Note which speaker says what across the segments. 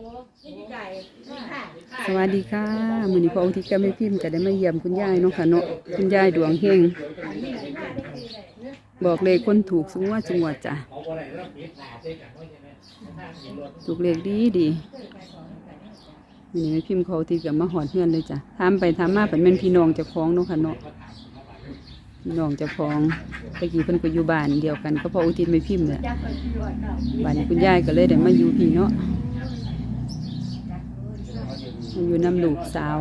Speaker 1: สวัสดีค่ะมื้อนี้พระอุทิศกับแม่พิมพ์ก็ได้มาเยี่ยมคุณยายเนาะค่ะเนาะคุณยายดวงเฮงบอกเลขคนถูกสูงว่าจังหวัดจ้ะถูกเลขดีดีมื้อนี้แม่พิมพ์เขาที่กับมาหอดเฮือนเลยจ้ะถามไปถามมาเป็นแม่นพี่น้องเจ้าของเนาะค่ะเนาะพี่น้องเจ้าของตะกี้เพิ่นก็อยู่บ้านเดียวกันก็พระอุทิศแม่พิมพ์เนี่ยบ้านคุณยายก็เลยได้มาอยู่พี่เนาะอยู่น้ำลูกสาว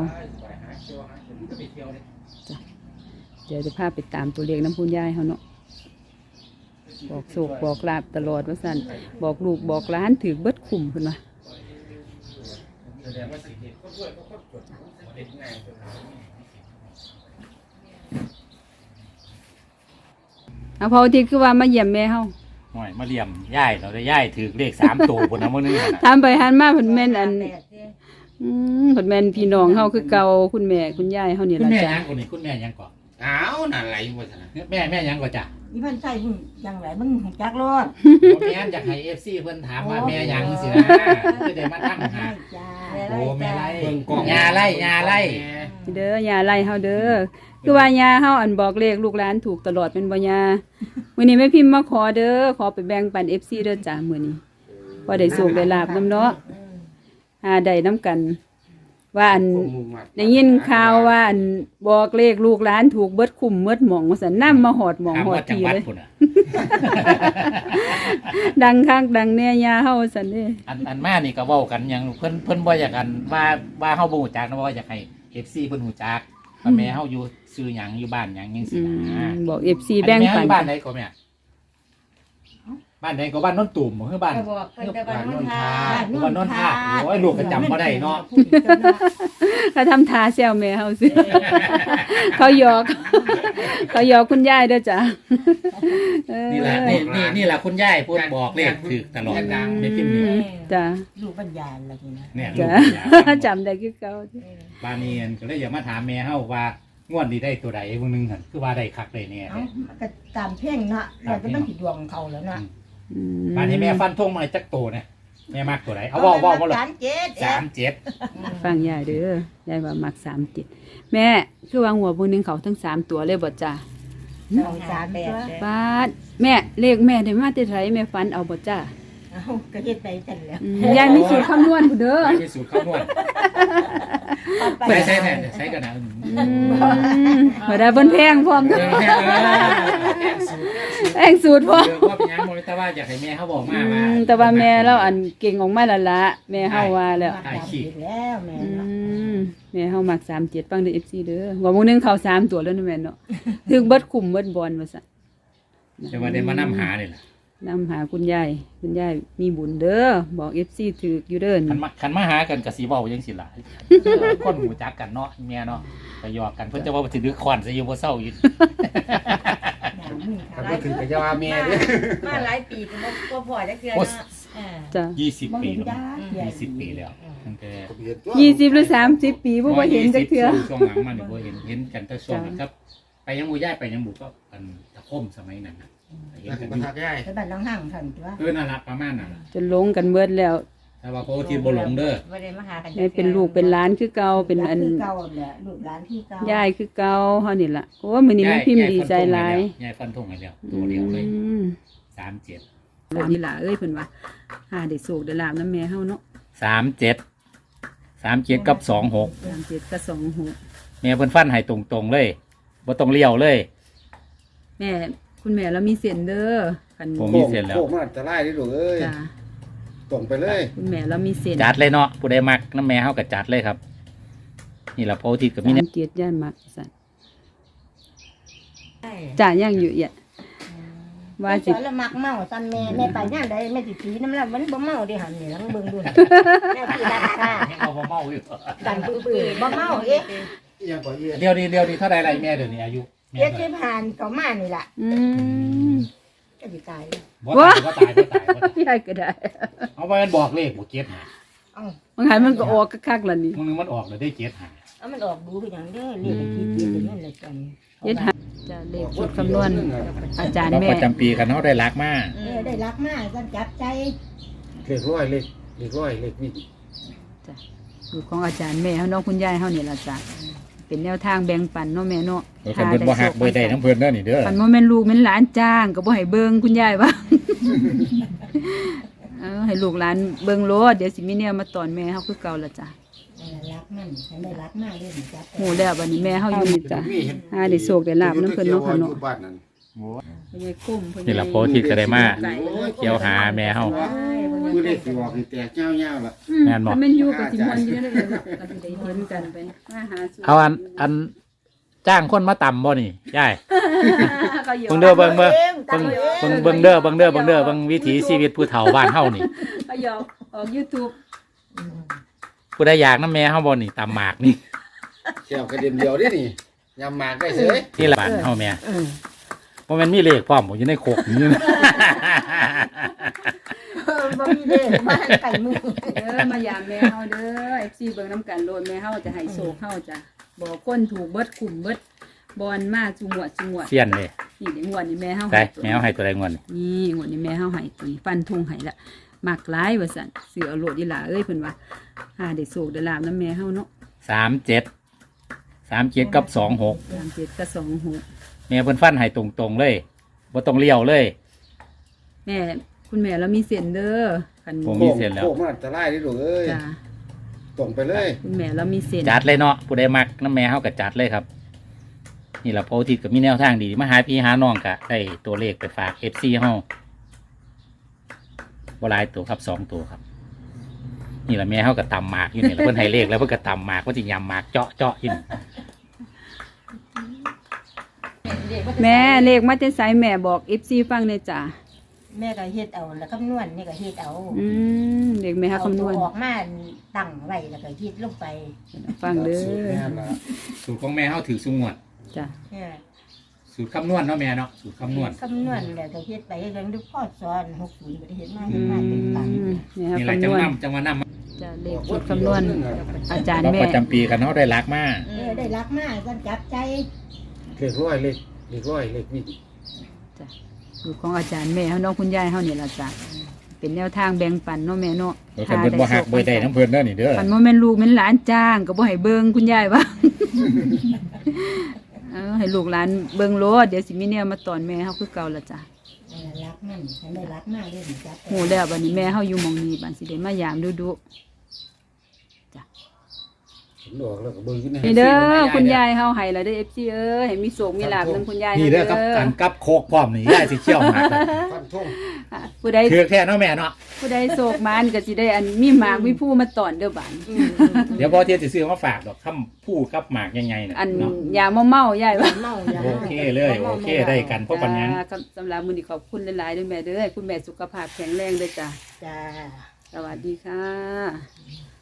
Speaker 1: จ้ะเดี๋ยวจะพาไปตามตัวเลขน้ำพุนยายเขาเนาะบอกโศกบอกลาบตลอดว่าสั่นบอกลูกบอกร้านถือเบิดขุ่มขึ้นมาเอาพอที่คือว่ามาเยี่ยมแม่เขา
Speaker 2: หน่อยมาเลี่ยมย่ายเราได้ย่ายถือเลข3 ตัวคนนะมื้อนี้
Speaker 1: ทำไปหันมาผลแม่นอันผลแม่นพี่น้องเขาคือเก่าคุณแม่คุณยายเขาเนี่ย
Speaker 2: คุณ
Speaker 1: ละ
Speaker 2: แม่
Speaker 1: จ้ะ
Speaker 2: ยังคนนี้คุณแม่ยังก่อน
Speaker 3: อ้าวนั่นไหลบ่ซั่นน่ะ
Speaker 2: แม่ยังก่อนจ้ะ
Speaker 4: อีพันใส่มึงยังไรมึงจักรอด
Speaker 2: บ่แม่นอยากให้ FC เพิ่นถามว่าแม่ยังสินะคือได้มาตั้งหา
Speaker 4: จ้า
Speaker 2: โอ้แม่ไล่
Speaker 3: เบิ่งกล้อง
Speaker 2: ยาไล่ยาไล่
Speaker 1: เด้อยาไล่เฮาเด้อคือว่ายาเฮาอันบอกเลขลูกหลานถูกตลอดเป็นบ่ยามื้อนี้แม่พิมพ์มาขอเด้อขอไปแบ่งปัน FC เด้อจ้ะมื้อนี้พอได้สุขได้ลาบนำเนาะได้นํกันว่าอันได้ยินข่าวว่าอันบอกเลขลูกหลานถูกเบิดคุ้มเบิดหม่องว่าซั่นนำมาหอดหม่อง
Speaker 2: ถาม
Speaker 1: หอด
Speaker 2: ว่าจัง
Speaker 1: ที
Speaker 2: หวัด
Speaker 1: เลย
Speaker 2: พุ่นน่ะ
Speaker 1: ดังคักดังแน่ยาเฮาว่าซั่นเด้
Speaker 2: อันมานี่ก็เว้ากันหยังเพิ่นบ่อยากกันว่าเฮาบ่ฮู้จักนะว่าอยากให้ FC เพิ่นฮู้จักว่าแม่เฮาอยู่ซื้อหยังอยู่บ้านหยังจังซี่นะ
Speaker 1: บอก FC แบ่งปัน
Speaker 2: บ้านไหนก็แม่บ้านไหนก็บ้านโนนตุ่มคือบ้าน
Speaker 4: บอกเพิ่นจะบ้านโนนทา
Speaker 2: บ้านโนนท่าโอ้ยลูกก็จำบ่ได้เนาะ
Speaker 1: เขาทำทาแซวแม่เฮาสิ เขาหยอกคุณยายเด้อจ้ะ
Speaker 2: นี่แหละนี่แหละคุณยายพูดบอกเลขถูกตลอดในพิมพ์นี้
Speaker 1: จ้ะ
Speaker 4: ลูกปัญญาอะไรนี่นะ
Speaker 2: เนี่ยลู
Speaker 1: จ้ะ
Speaker 2: ก
Speaker 1: จำได้คือเก่า
Speaker 2: บ้านนี้ก็เลยอยากมาถามแม่เฮาว่างวดนี้ได้ตัวใดมื้อนึงหั่นคือว่าได้คักได้แน่
Speaker 4: เอ้าก็ตามเพ่งเนาะเราจะต้องผิดดวงเขาแล้วเนาะ
Speaker 2: บ้านนี้แม่ฟันธงมาจักตัวเนี่ยแม่มักตัวใดเอาเว้าบ่ล่ะ
Speaker 4: 37
Speaker 1: ฟังยายเด้อยายว่ามัก37แม่คือว่าหัวมื้อนึงเขาทั้ง3ตัวเลยบ่จ้ะ
Speaker 4: 38
Speaker 1: บาดแม่เลขแม่ได้มาแต่ไสแม่ฝันเอาบ่จ้ะ
Speaker 4: เอ้าก็เฮ็ดไปจังแล้ว
Speaker 1: ยายมีสูตรคำนวณพุ่นเด้อ
Speaker 2: ไปสูตรคำนวณใช้แน่ใช้กันนะ
Speaker 1: บ่ได้เพิ่นแพงพร้อม แพงสูตรพร้อม
Speaker 2: ว่าเป็นยังบ่แต่ว่าอยากให้แม่เขาบอกมาว่า
Speaker 1: แต่ว่าแม่เราอันเก่งออกมาและละแม่เฮาว่าแล้ว
Speaker 4: แล้วแม่เนาะ
Speaker 1: แม่เฮามัก37ฟังเด้อ FC เด้อว่ามื้อนึงเข้า3ตัวแล้วนะแม่เนาะถึงเบิดคุ้มเบิดบอลว่าซั่น
Speaker 2: จะมาได้มานำหานี่ล่ะ
Speaker 1: นำหาคุณยายมีบุญเด้อบอก FC ถูกอยู่เด้อ
Speaker 2: คันมาหากันก็สิเว้าจังซี่ล่ะคนหูจักกันเนาะแม่เนาะก็หยอกกันเพิ่นจะว่าสิดึกคอนซะอยู่บ่เซาอยู่
Speaker 3: ถ้าบ่ถึงก็จะว่าแม่เด้อ
Speaker 4: มาหลายปีก็พอจักเทื่อเนาะ
Speaker 1: จ้ะ
Speaker 2: 20 ปีแล้ว20 ปีแล้วตั้งแต่
Speaker 1: 20หรือ30 ปีบ่เห็นจักเทื่อ
Speaker 2: ช่วงหลังมานี่บ่เห็นกันแต่ช่วงนั้นครับ ไปยังบ่ย้ายไปยังบ่ก็อันตะคมสมัยนั้นน่ะเห็นกัน
Speaker 3: บ่
Speaker 2: อยู่
Speaker 3: ทักยาย
Speaker 4: ไปบ้านน้องห่างท่านตัว
Speaker 2: นั่นล่ะประมาณนั้นล่ะ
Speaker 1: จนหลงกันเบิดแล้ว
Speaker 2: แต่ว่าพอที่บ่หลงเด้อ
Speaker 4: บ่ได้มาหากัน
Speaker 1: แม่เป็นลูกเป็นหลานคือเก่าเป็นอัน
Speaker 4: คือเก่าแหละลูกหลานที่เก่าย
Speaker 1: ายคือเก่าเฮานี่ล่ะโอ้มื้อนี้แม่พิมพ์ดีใจหลาย
Speaker 2: ยายฟันธงให้แล้วตัวเดียวเลย 37
Speaker 1: แล้วนี่ล่ะเอ้ยเพิ่นว่าหาได้โศกได้ลาบนำแม่เฮาเนาะ
Speaker 2: 37กับ26
Speaker 1: 37กับ26
Speaker 2: แม่เพิ่นฟันให้ตรงๆเลยบ่ต้องเลี้ยวเลย
Speaker 1: แม่คุณแม่เรามีเส้นเด้อคัน
Speaker 2: ผมมีเส้นแล้ว
Speaker 3: โคกมันอันตรายเด้อลูกเอ้ย
Speaker 1: จ้ะ
Speaker 3: ตรงไปเลย
Speaker 1: คุณแม่เรามีเส้น
Speaker 2: จัดเลยเนาะผู้ใดมักน้ำแม่เฮาก็จัดเลยครับ นี่ล่ะพออาทิตย์ก็มีแนว
Speaker 1: เกียรติย่านมักสั่นจ้าย่างอยู่ว่าสิ
Speaker 4: สอนละมักเมาซันแม่ไปย่านใดแม่สิตีน้ำแล้วมันบ่เมาเด้หั่นนี่ลังเบิ่งดูแม่สิดักค่ะ
Speaker 2: ให้เอาบ่เมาอยู่
Speaker 4: ดันปื้อๆบ่เมาเอ๊ะ
Speaker 3: อีหยังก็เอีย
Speaker 2: เดี๋ยวนี้เท่าใดไรแม่เดี๋ยวนี้อายุแม่
Speaker 4: เจ็ดสิบผ่านเขามานี่ล่ะ ก็สิตาย
Speaker 2: บ่ตาย
Speaker 1: พี่ให้ก็ได้
Speaker 2: เอาไว้มันบอกเลขบ่เก็บหา
Speaker 4: เอ้า
Speaker 1: บางครั้งมันก็ออกคักๆล่ะนี่
Speaker 2: มึงนึงมันออกเลยได้เก็บหา
Speaker 4: เอามันออกดูคือหยังเด้อเรียกคิดเรียกนั่นแหละจัง
Speaker 1: เฮ็ดหาจะเลขชุดคำนวณอาจารย์
Speaker 2: เรา
Speaker 1: แม่
Speaker 2: ประจำปีกันเฮาได้รักมาก
Speaker 4: ได้รักมากจันจับใจ
Speaker 3: เลขร้อยเลขร้อยเลขวิ่ง
Speaker 1: จ้ะสูตรของอาจารย์แม่เฮาเนาะคุณยายเฮานี่ล่ะจ้ะเป็นแนวทางแบ่งปันเนาะแม่เนาะ
Speaker 2: โอ้คันเพิ่นบ่ฮักเบิ่ได้น้ำเพิ่นเด้อนี่เด้อ
Speaker 1: คันบ่แม่นลูกแม่นหลานจ้างก็บ่ให้เบิ่งคุณยายว่า ให้ลูกหลานเบิ่งโลดเดี๋ยวสิมีแนวมาตอนแม่เฮาคือเก่าละจ้ะ
Speaker 4: รักมันฉันได้รักมากเลยจับ
Speaker 1: โหแล้วบัดนี้แม่เฮาอยู่นี่จ้ะได้โชคได้ลาบนำเพิ่นเนาะค่ะเนาะ
Speaker 3: บ้านนั้น
Speaker 1: พ่อใหญ่กุ้ม
Speaker 2: นี่ล่ะโพธิก็ได้มาเกี่ยวหาแม่เฮา
Speaker 3: คือได้สิบอกให้แตกเจ้าๆล่ะ
Speaker 2: แม่นบ่
Speaker 1: ถ้าแม่นอยู่ก็สิม่วนอยู่เด้อเนาะก็สิได้เห็นกันไปมาหาสู่
Speaker 2: เอาอันจ้างคนมาต่ำบ่นี่ยาย
Speaker 1: ก็อยู่
Speaker 2: เบิ่งเด้อเบิ่งเบิ่งเด้อเบิ่งวิถีชีวิตผู้เฒ่าบ้านเฮานี่
Speaker 1: ก็ยอกออก YouTube
Speaker 2: ผู้ใดอยากน้ำแม่เฮาบ่นี่ตำหมากนี่
Speaker 3: แก้วกระเด็นเดียวเด้นี่ยำหมากได้เสย
Speaker 2: ที่ละบ้านเฮาแม่บ่แม่นมีเลขพร้อมบ่อยู่ในโคกนี่นะ
Speaker 4: บ่มีเด้บ้านไก่มือ
Speaker 1: มายามแม่เฮาเด้อ FC เบิ่งน้ำกันโลดแม่เฮาจะให้โชคเฮาจ้ะบอกคนถูกเบิดคุมเบิดบอลมาจุงวด
Speaker 2: เสียนเลย
Speaker 1: นี่เดี๋ยวงวดนี้แม่เฮา
Speaker 2: ไป
Speaker 1: ตัว
Speaker 2: แมวให้ตัวใดงวดนี่
Speaker 1: นี่งวดนี้แม่เฮาให้ตัวนี้ฟันธงให้ละมักหลายว่าซั่นซื้อเอาโลดอีหล่าเอ้ยเพิ่นว่าหาได้โชคได้ลาบนำแม่เฮาเนาะ
Speaker 2: 37กับ26
Speaker 1: 37กับ26
Speaker 2: แม่เพิ่นฟันให้ตรงๆเลยบ่ต้องเลี้ยวเลย
Speaker 1: แม่คุณแม่เรามีเส้นเด้อคัน
Speaker 2: ผม มีเส้นแล้ว
Speaker 3: โค้งมันอันตรายเด้ลูกเอ้ย
Speaker 1: จ้ะ
Speaker 3: ตรงไปเลย
Speaker 1: คุณแม่เรามีเส้น
Speaker 2: จัดเลยเนาะผู้ใดมักน้ำแม่เฮาก็จัดเลยครับ นี่ล่ะโพธิก็มีแนวทางดีมาหาพี่หาน้องก็ได้ตัวเลขไปฝาก FC เฮาบ่หลายตัวครับ2ตัวครับ นี่ล่ะแม่เฮาก็ตำหมากอยู่นี่ล่ะเพิ่นให้เลขแล้วเพิ่นก็ตำหมากเพิ่นสิยำหมากเจาะอยู่นี่
Speaker 1: แม่เลขมาแต่ไสแม่บอก FC ฟังเลยจ้ะ
Speaker 4: แม่ก็เฮ็ดเอาแล้วคำนวณนี่ก็เฮ็ดเอา
Speaker 1: เลขแม่เฮาคำนวณ
Speaker 4: ออกมาตั้งไว้แล้วก็คิดลงไป
Speaker 1: ฟังเด้
Speaker 3: สูตร
Speaker 1: อ
Speaker 3: แม่ล่ะ
Speaker 2: สูตรของแม่เฮาถือสุงวด
Speaker 1: จ้ะ
Speaker 2: สูตรคำนวณเนาะแม่เนาะสูตรคำนวณ
Speaker 4: คำนวณแล้วก็เฮ็ดไปเรื่องดูพ่อสอน60บ่ได้เฮ็ดมาเฮ็ดมาเป็นตัน
Speaker 1: นี่ครับ
Speaker 2: นี่ล่ะ
Speaker 1: คำนวณ
Speaker 2: จังว่านำ
Speaker 1: จะเลขชุดคำนวณอาจารย์
Speaker 2: เรา
Speaker 1: แม่
Speaker 2: ประจำปีกันเนาะได้รักมาก
Speaker 4: ได้รักมากก็จับใจ
Speaker 3: เลขร้อยเลขร้อยเลขวิ่ง
Speaker 1: จ้ะสูตรของอาจารย์แม่เฮาเนาะคุณยายเฮานี่ล่ะจ้ะเป็นแนวทางแบ่งปันเนาะแม่เนาะ
Speaker 2: คันเพิ่นบ่ฮักเบิ่ได้น้ำเพิ่นเด้อนี่เด้อ
Speaker 1: คันบ่แม่นลูกแม่นหลานจ้างก็บ่ให้เบิ่งคุณยายว่า ให้ลูกหลานเบิ่งโลดเดี๋ยวสิมีแนวมาตอนแม่เฮาคือเก่าละจ้ะ
Speaker 4: รักมันฉันได้รักมากเลยจับ
Speaker 1: โหแล้วบัดนี้แม่เฮาอยู่หม่องนี้บัดสิได้มายามดู
Speaker 3: เห็นดอกแล้วก็เบิ่งขึ้น
Speaker 1: ๆนี่เด้อคุณยายเฮาให้ละเด้อ FC เอ้ยให้มีโชคมีลาภนำคุณยาย
Speaker 2: นี่เด้อกับกันกับโคกพร้อมนี่ยายสิเชี่ยวหมากเลย
Speaker 3: ฟันทง
Speaker 1: ผู้ใด
Speaker 2: ถือแท้เนาะแม่เนาะ
Speaker 1: ผู้ใดโศกมานก็สิได้อันมีหมากมีผู้มาตอนเด้อบาน
Speaker 2: เดี๋ยวพอเที่ยสิซื้อมาฝากดอกคำผู้กับหมากใหญ่ๆน่ะ
Speaker 1: อัน
Speaker 2: เนาะ
Speaker 1: ยาเมาๆยายว่า
Speaker 4: เมาอย่า
Speaker 2: โอเคเลยโอเคได้กันเพราะปัญญา
Speaker 1: ครับสำหรับมื้อนี้ขอบคุณหลายๆด้วยแม่เด้อให้คุณแม่สุขภาพแข็งแรงเด้อจ้ะ
Speaker 4: จ้า
Speaker 1: สวัสดีค่ะ